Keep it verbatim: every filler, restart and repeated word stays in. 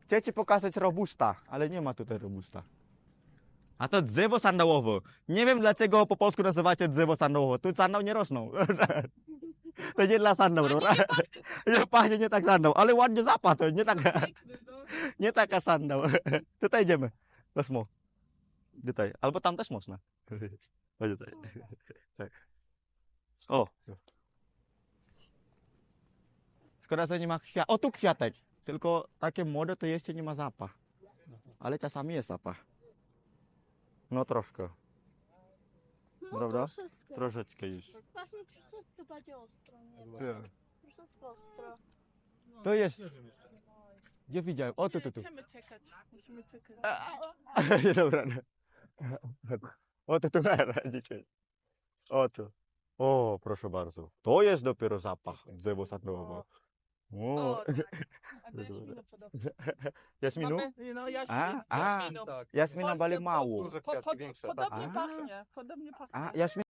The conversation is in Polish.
Chcę ci pokazać robusta, ale nie ma tutaj robusta. A to drzewo sandałowe. Nie wiem dlaczego po polsku nazywacie drzewo sandałowe. Tu sandał nie rosną. To nie dla sandał, dobra? Nie pachnie nie tak sandał, ale ładnie zapach, to nie taka, nie taka sandał. Tutaj idziemy. Wesmo. Tutaj. Albo tam też można. Chodź tutaj. Tak. O. Szkoda, że nie ma kwiat. O, tu kwiatek. Tylko takie młode to jeszcze nie ma zapach. Ale czasami jest zapach. No troszkę. No Prawda? troszeczkę. Troszeczkę już. Pachnie troszeczkę bardziej ostro, nie? Tak. Troszeczkę ostro. To jest. Gdzie widziałem? O, tu, tu, tu. Musimy czekać. Musimy czekać. Nie, dobra. No. O, tu, tu, dzisiaj. O, tu. O, proszę bardzo. To jest dopiero zapach drzewo sandałowe. O. O, tak. A do jaśminu podobno. Jasminu? Mamy, no jaśmin, A, a. jaśminu. Jasmina Polsce bali po- mało. Po, po, większe, tak. podobnie A. pachnie. Podobnie pachnie. A, Jasmin.